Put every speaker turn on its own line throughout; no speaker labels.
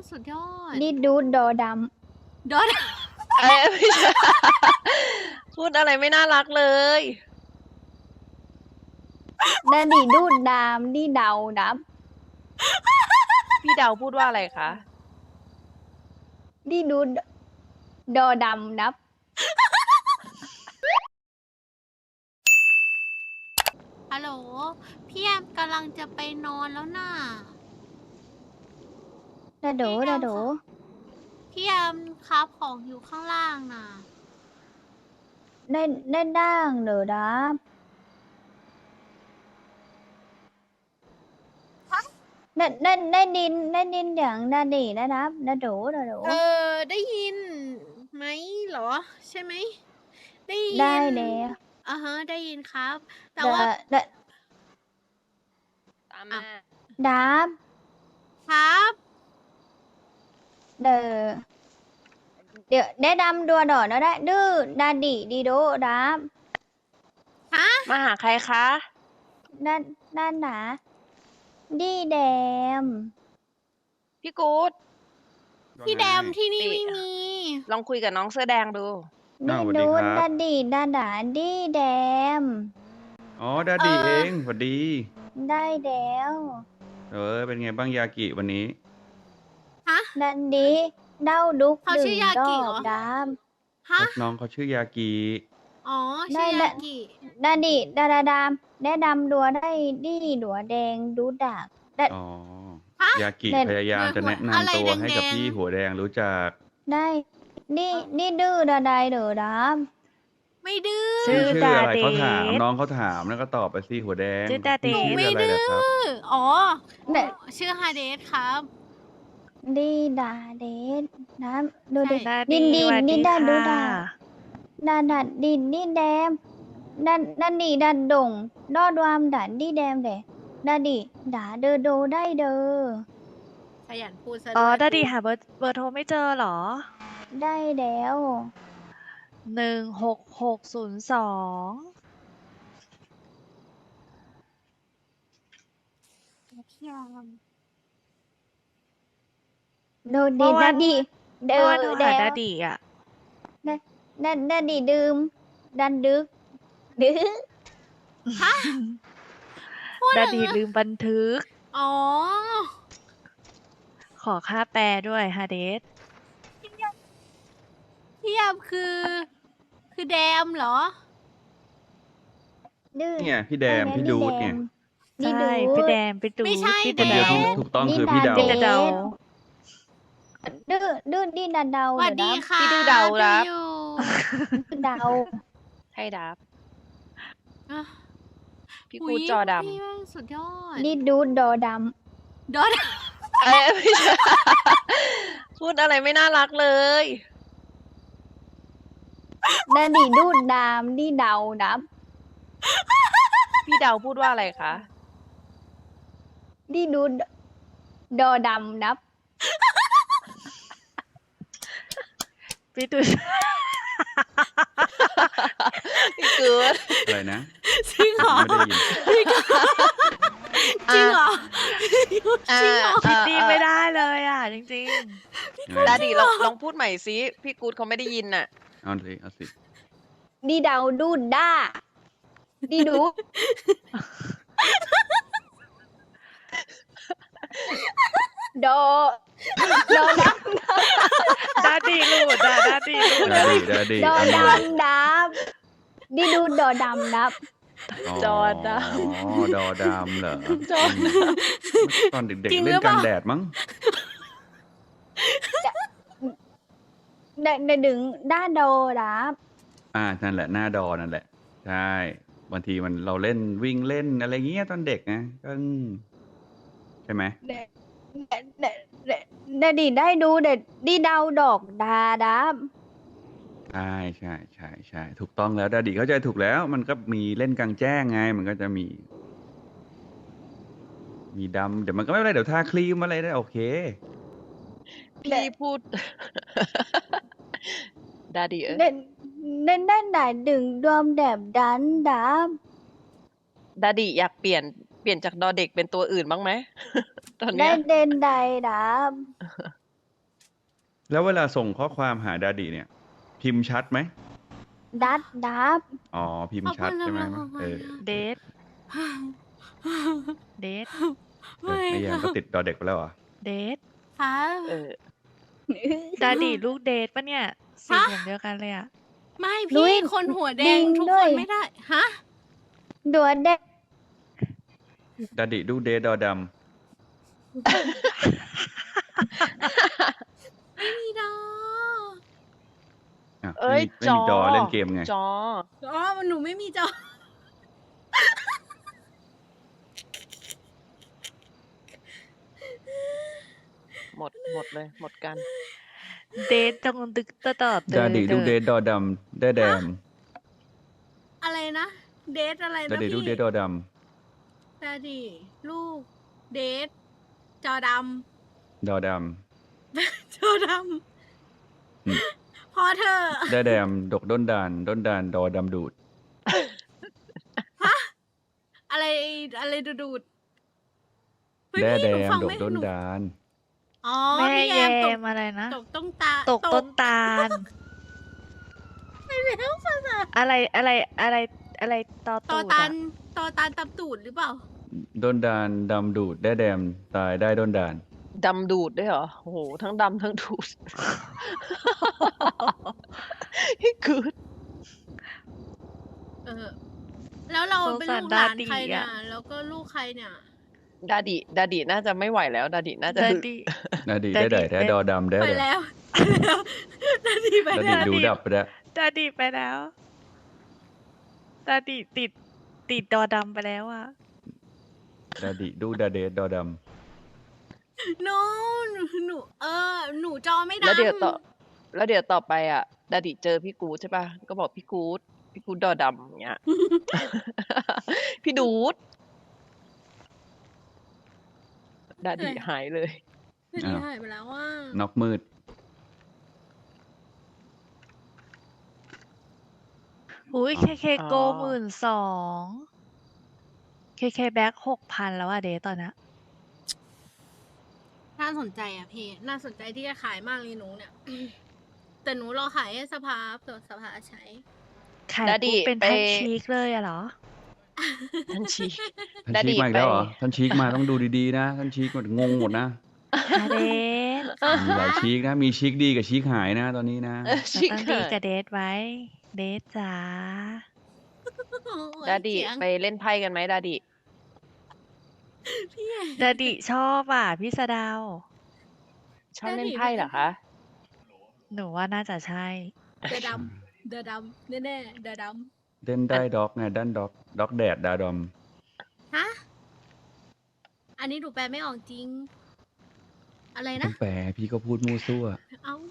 สุดยอด
นี่ดูดอด
ดอด
ไม่ใช่ พูดอะไรไม่น่ารักเลย
ำนั่นดิดูดดามนี่เดาดับ
พี่เดาพูดว่าอะไรคะ
นี่ดูดอดำดับ
ฮัลโหลพี่แอมกำลังจะไปนอนแล้วน่ะ
ดาโดดาโด
พี่แอมครับของอยู่ข้างล่างน่ะ
ได้ด่างเด้อดับได้ดินอย่างดาดีนะดับดาโดดาโด
ได้ยินไหมเหรอ ใช่ไหมได้ยิน
ได้แล้ว
ฮะได้ยินครับ แต่
ดา
ว่า
ดา
ตามมา
ดับ
ครับ
เด้อเดี๋ยวได้ดำดัวดอนะได้ดื้อดาดีดีโดดับ
ฮะ
มาหาใครคะ
ด้านหนาดีแดม
พี่กู๊ด
พี่แดมที่นี่
นี่
ไม่มี
ลองคุยกับน้องเสื้อแดงดู
ดี
สวัสดี
ดู
ครับ
ดาดีดาดาดีแดม
อ๋อดาดีเองสวัสดี
ได้แล้ว
เป็นไงบ้างยากิวันนี้
ฮะ
ดันดีเด้าดุก
เขา
ดึ
ชื่
ง
อยา
ด
กิ
อ
เหรอ
กดาม
ฮะ
น้องเขาชื่อยากิ
อ๋อ
ได้
ชื่อ
ได้
ยากิ
ดาดีดาดาดามได้ดำดัวได้ดีดัวแดงดูดักได้
อ๋อ
ฮะ
ยากิ
เด่น
พยายามจะแนะ
อะไร
นำตัวให้กับ
แดงๆ
พี่หัวแดงรู้จัก
ได้นี่ดื้อดาไดเด้อดาม
ไม่ดื้อ
ชื่อ
ชื่ออะไร
ดาเดช
เขาถามน้องเขาถามแล้วก็ตอบไปสิหัวแดง
ชื่อดาเดช
พี่
ไม่
ชื่ออะไร
ดื้
ล่ะครับ
อ อ๋อ
ได้
ชื่อฮาเดสครับ
ดีดาเดดน้ำดูดิ
ใช่
ดา
ดิน
ดี
ดิน
สวัส
ดิ
ดี
นดันดู
ค่ะ
ดาดัดดินนี่แดมดันดีดันดงดอดวามดันดีแดมเดดาดีดาเดอโดได้เดอ
ขยันพูดซะ
อ๋อ
ด้วย
ดาดีหาเบอร์โทรไม่เจอเหรอ
ได้แล้ว
16602
โดดีดาดีเด
เมื่
อ
อวานโทร
แด
หาว ดาดีอ่ะ
ดาดีดื่มดันดึกดื้อ
ดาดีลืมบันทึก
อ๋อ
ขอค่าแปลด้วยฮาเดส
พี่แอมคือแดมเหรอ
ดื้อ
เนี่ยพี่แดมพี่ดูดเนี่ย
นี่
ใช่
ดู
พี่
ด
แดมพี่ตู
ไม่ใช่
พี่
คนเดียวที่
เดา
ถูกต้อง
นี่
คือพี่
ดา
เดา
เด
เดา
ดื้อดีดันเดา
สวัสดีค่ะ
พี่ดื้อเดารับ
อยู่
เดา
ให้ดับ
อ่ะ
พี่กู๊ดจอด
พี่แม่งสุดยอด
นี่ดูดอด
ดอด
ไม่ใช่ พูดอะไรไม่น่ารักเลย
ำนั่นดิดูดดามนี่เดาดับ
พี่เดาพูดว่าอะไรคะ
นี่ดูดอดำดับ
พี่ตู
พี่กู๊ด
อะไรนะ
จริงเหรอ
ไม่ได้ยิน
จริงเหรอ
อ่า
จริงเหรอ
คิดดีไม่ได้เลยอ่ะ จริง
ดาดีลองพูดใหม่สิพี่กู๊ดเขาไม่ได้ยินน่ะ
เอาสิ
นี่เดาดูดด้านี่ดูดอดอด
ๆ ดาดีหลุดอ่ะดาดีหลุด
ดาดีดาดี
ำดอ
เอาใหม่
ดำดับนี่ดูดอดำดับ
จอดำ
อ๋อดอดำเหรอ
จอด
ตอนเด็ก
จริง
ๆ
หรื
เล่
อน เป
กลา
ล่า
งแดดมั้ง
ได้ดึงด้าโดดับ
นั่นแหละหน้าดอนั่นแหละ ใช่บางทีเราเล่นวิ่งเล่นอะไรเงี้ยตอนเด็กนะก็ใช่ไหม
ได้ดิได้ดูเด็ดดีเดาดอกดาดับ
ใช่ถูกต้องแล้วดาดีเข้าใจถูกแล้ว มันก็มีเล่นกลางแจ้งไง มันก็จะมีดำเดี๋ยวมันก็ไม่เป็นไรเดี๋ยวทาครีมอะไรได้โอเค
พี่พูด ดาดี
เด่นด้านไหนดึงดวมแดบดันดับ
ดาดีอยากเปลี่ยนจากดอเด็กเป็นตัวอื่นบ้างไหม ตอน
ได้
เนี้ย
เด่นใดดับ
แล้วเวลาส่งข้อความหาดาดิเนี่ย พิมพ์ชัดไหม
ดับ
อ๋อ พิมพ์ชัดใช่ไหมเออ
เดทเดท
ไม่
ไม่แยมก็ติดดอเด็กไปแล้วเหรอ
เดท
ค่ะ
เออ
ดาดีลูกเดทปะเนี่ยสี
ฮะ
ผมเดียวกันเลยอะ
ไม่
นุ้
พี่
ย
คนหัวแด
ดิ
ง
ง
ทุก
ด้
ค
วย
นไม่ได้ ฮะ
ดัวแดง
ดาดิดูเดดอด
ไม่มีดอ
ำอ่ะ
เอ้ย
ไม่มีดอเล่นเกมไง
จอ
อ๋อหนูไม่มีจอ
หมดเลย หมดกัน
เดทจงตึกตะต่อเต
ดาดิดูเดดอดำได้แดม
อะไรนะ เดทอะไร
ดา
นะ
ดิดู
พี่
เดดอด
ดาดีลูก เดทจอด
ำดอด
ำ จอด
อืม
ำ พอเธอะ
ำได้แดมดกด้นดานดอดำดูด
อะไรอะไรดูดเฮ้ย
ได้
พี่
แด
หนู
ม
ฟัง
ดก
ไม่
ด้น
หนู
ดาน
อ๋อ
แม่
พี่
แย
แยมตก
มอะไรนะ
ตกต้นตา
ตกต้นตาล
ไปแล้วภาษา
อะไรตอ
ตอ
ตูด
ตั
อะ
นตอตันตับตูดหรือเปล่า
ด้นดานดำดูดได้แดมตายได้ด้นดาน
ดำดูดด้วยเหรอ โอ้โห ทั้งดำทั้งดูด คือ
เออ แล้วเราเป็นลูกหลานใครเนี่ย
สงสารดาดีอะ
แล้วก็ลูกใครเนี่ย
ดาดิน่าจะไม่ไหวแล้ว ดาดิน่าจะ
ดา
หึ
ดี
ดาดิ
ดาดิ
ได้แดดอดำได้
ไป
แด
แล้ว นาทีไป
ดาดิ
แล้ว
ดูดับไปแล้ว
ดาดีไปแล้วดาดีติดดอดำไปแล้วอะ
ดาดิดูดาเดดอด
no หนูหนูจอไม่ดำ
แล้วเดี๋ยวต่อไปอ่ะ ดาดิเจอพี่กูดใช่ป่ะ ก็บอกพี่กูดดอดำอย่างเงี้ย พี่ดูด ดาดิหายเลย
นาทีหายไปแล้วว่า
ำน็อกมืด
อุ้ย
อ๋อ
เคโก12,000เคแบ็ค6,000แล้วอะเดทตอนนี้
น่าสนใจอ่ะพี่ น่าสนใจที่จะขายมากเลยหนูเนี่ย แต่หนูรอขายให้สภาตัวสภาใช้
ขาย
ดาดิ
ปุ๊บเป็น
ไป
แท่นชีกเลยอะเหรอ
ท่านชี
ท่าน
ดาดิ
ชีกมาอีกแล้วเหรอ
ไป
ท่านชีกมาต้องดูดีๆนะ ท่านชีกมันงงหมดนะ
ฮาเดท
มีหลายชีกนะ มีชีกดีกับชีกหายนะตอนนี้นะ
เรา
ชี
ต้องดีกับเดทไว้ เดทจ๋า
ดาดิ
เสียง
ไปเล่นไพ่กันไหมดาดิ
พี่
ดาดิชอบอ่ะพี่สะดาว
ชอบเล่นไพ่เหรอคะ
หนูว่าน่าจะใช่
เดอะดำเดอะดำแน่ๆเดอะด
เล่นได้ด็อกไงด้านด็อกแดดดาดอม
ำฮะ อันนี้หนูแปลไม่ออกจริง อะไร
ต้อ
นะ
งแปลพี่ก็พูดมูซั่ว
เอ้า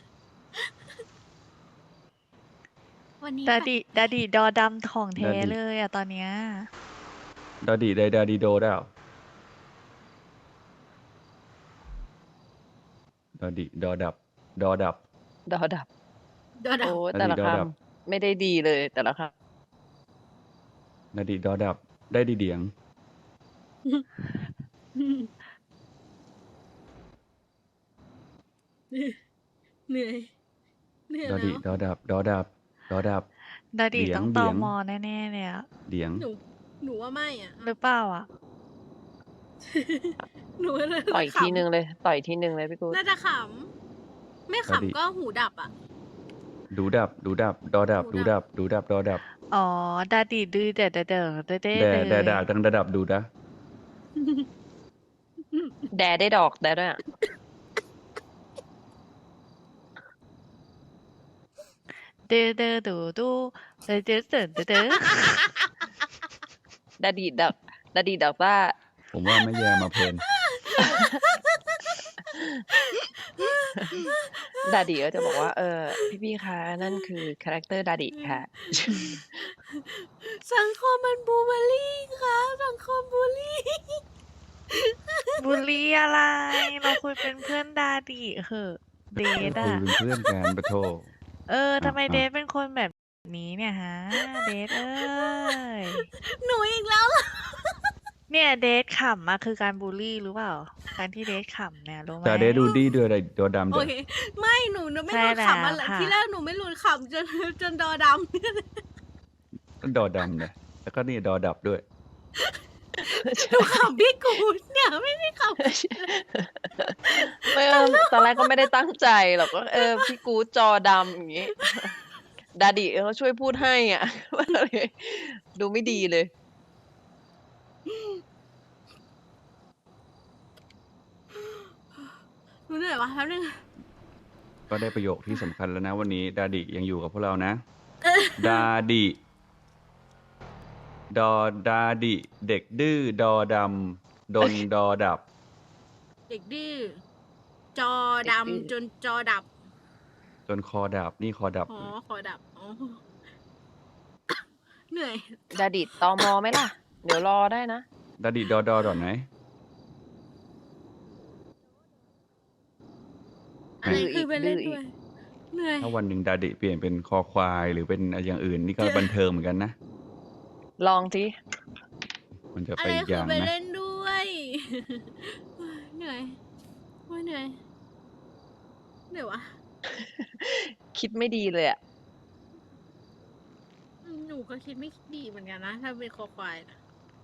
วันนี้
ดา
ไป
ดิดอดำของแท้
ดาดิ
เลยอะตอนเนี้ย
ดาดิไดดาดิโดได้เหรอดาดิดอดับ
ดอดับ
เดอะด
โอ้
ำ
แต่ละ
ดอดับ
คำไม่ได้ดีเลยแต่ละค
ดาดิดอดับ ได้ดีเดียง
เหนื่อย เหนื่อย
ดอดิ
แล้ว
ดอดับ ดอดับ ดอดับ
ดาดิ
เดียง
ต้องต
เดี
อย
ง
มอแน่ๆเลยอะ
เดียง
หนูว่าไม่อ่ะ
หรือเปล่าอะ
หนูเลย
ำต่อยทีนึงเลย ต่อยทีนึงเลยพี่กูด
น่าจะขำ ไม่
ดาดิ
ขำก็หูดับอ่ะ
ดูดับ ดูดับ ดอดับ ดูดับ ดูดับ ดอดับ
อ๋อ ดาดิดื้อเดดเดอเดเด
แด
เล
ดาย ดังระดับดูนะ
แดได้ดอกแดด้วยอะ
เดเดดูดูเดเดเดเดเด
ดาดิดักว่า
ผมว่าไม่แย่มาเพลิน
ดาดิก็จะบอกว่า พี่คะนั่นคือคาแรคเตอร์ดาดิค่ะ
สังคมมันบูเบอรี่ครับสังคมบูลลี่
บุรีอะไร เราคุยเป็นเพื่อนดาดิเหอะเดท
คุ
อะ
ยเป็นเพื่อนกันปะโท
ทำไม
อ่ะ
เดทเป็นคนแบบนี้เนี่ยฮะ เดทเอ้ย
หนูอีกแล้วเหรอ
เนี่ยเดทขำมาคือการบูลลี่หรือเปล่า การที่เดทขำเนี่ยรู้ไหม
แต่เดดูดีด้วยอะไรดอดำ
โอ
ด้วย
เค ไม่หนูไม่
ใช่
รู้ขำอะไร
แล้วค่ะ
ที่แรกหนูไม่รู้ขำจนดอดำ
ก็ดอดำเลยแล้วก็นี่ดอดับด้วย
หนูขำพี่กูดเนี่ยไม่ได้ขำ
ไม่ตอนแรกก็ไม่ได้ตั้งใจหรอกก็พี่กู๊ดจอดำอย่างงี้ ดาดิเขาช่วยพูดให้อ่ะ เลยดูไม่ดีเลย
หนูเหนื่อยวะแป๊บนึง
ก็ได้ประโยคที่สำคัญแล้วนะวันนี้ดาดิยังอยู่กับพวกเรานะ ดาดิดาดิเด็กดื้อดอดำดนดอดับ
เด็กดื้อจอ
เด็กดื้อ
ดำจนจอดับ
จนคอดับนี่คอดับ
อ๋อขอดับอ๋อเหนื่อย
ดาดิตอมอไหมล่ะ เดี๋ยวรอได้นะ
ดาดิดอดอไหน
อะไร
ดื้ออีก
คือไปเล่น
ดื้ออีก
ด้วย เหนื่อย
ถ้าวันหนึ่งดาดิเปลี่ยนเป็นคอควายหรือเป็นอย่างอื่นนี่ก็บันเทิงเหมือนกันนะ
ลองที
มันจะ
อะ
ไป
ไร
อีกอ
คือย่าง ไป
นะ
เล่นด้วย เหนื่อยโอ้ยเหนื่อยเหนื่อยวะ
คิดไม่ดีเลยอ่ะ
หนูก็คิดไม่ดีเหมือนกันนะถ้าเป็นคอควายนะ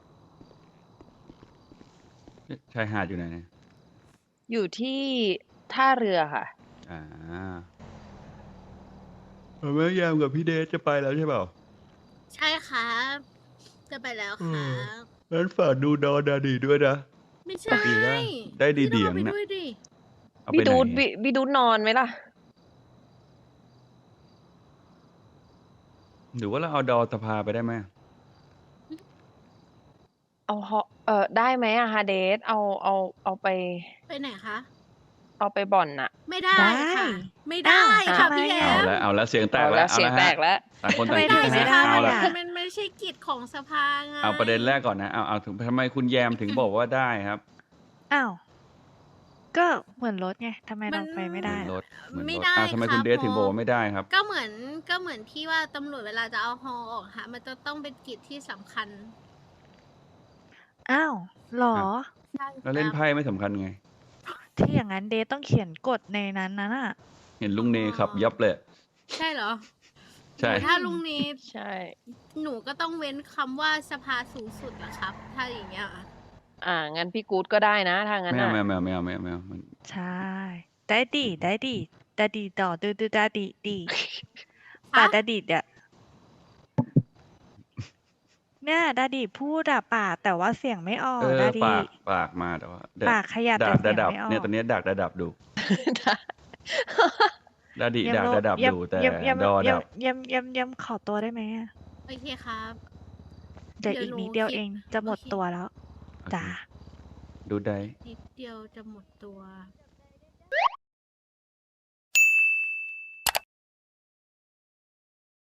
ชายหาดอยู่ไหนเนี่ย
อยู่ที่ท่าเรือค่ะ
อ่าแม่ยามกับพี่เดชจะไปแล้วใช่เปล่า
ใช่ครับจะไปแล้วครับ
งั้นฝากดูดอดาดิด้วยนะ
ไม่ใช่
ดีนะได้ดี
พี่
เดี
ต้อย ง
ง
เอาไป
นะ
ด้วยดิ
เอา
พี่
ไปไหน
ดูดพี่ดูดนอนไหมล่ะ
หรือว่าเราเอาดอสภาไปได้ไหม
ได้ไหมอะฮาเดสเอาไป
ไปไหนคะ
เอาไปบ่อนน่ะ
ไม่ได้
ได้
ค่ะ ไม่ได้
อ้าว
ค่ะ
ทำไม
พี่แอ
อะ
ม
เอาแล้วเสียงแตก
เอา
แล้
แล้ว วเสียงแตกแล้ว
ต่างคน
ทำ
ต่าง
ไม
คิด
ถึง
นะ
ไม่
ฮะ
ได้
เอาละ
อะ
มันไม่ใช่กิจของสภาไง
เอาประเด็นแรกก่อนนะเอาถึงทำไมคุณแยมถึงบอกว่าได้ครับ
อ้าว ก็เหมือนรถไงทำไมเราไปไม่ได้
เหมือนร
ล่ะ
ถเหมือน
ไม่
รถ
ได้
ทำไม
รับ
คุณเดชถึงบอกว่าไม่ได้ครับ
ก็เหมือนที่ว่าตำรวจเวลาจะเอาฮอออกฮะมันจะต้องเป็นกิจที่สำคัญ
อ้าวเหรอ
ใช่
แล้วเล่น
ครับ
ไพ่ไม่สำคัญไง
ที่อย่างนั้นเดทต้องเขียนกฎในนั้นน่ะ
เห็นลุงเนขับยับเลย
ใช่เหรอ
ใช่
หนูถ้าลุงนี้
ใช่
หนูก็ต้องเว้นคำว่าสภาสูงสุดอะครับ ถ้าอย่างเงี้ยอะ
งั้นพี่กู๊ดก็ได้นะถ้างั้น
ไม่เอา
น่ะ
ไม่เอามัน
ใช่ ได้ดีได้ดีดาดีต่อดูดาดีดีป่าดาดีอ่ะเนี่ยดาดีพูดอะปากแต่ว่าเสียงไม่ออกดาดี
ปากมาแต่ว่า
ปากขยับ
ดั
แต่
บ
เสียง
ดับ
ไม่ออก
เนี่ยตอนนี้ดักดับดูดาดิดักดับดูแต่
เยี่ยม
ดอดับ
เยี่ยมขอตัวได้ไหมอะ
โอเคครับ
เดี๋ยว
เดี๋ยว
อีก
หนู
นิดเดียว
คิด
เองจะหมด
โอเค
ตัวแล้วจ้า
ดูได้
นิดเดียวจะหมดตัว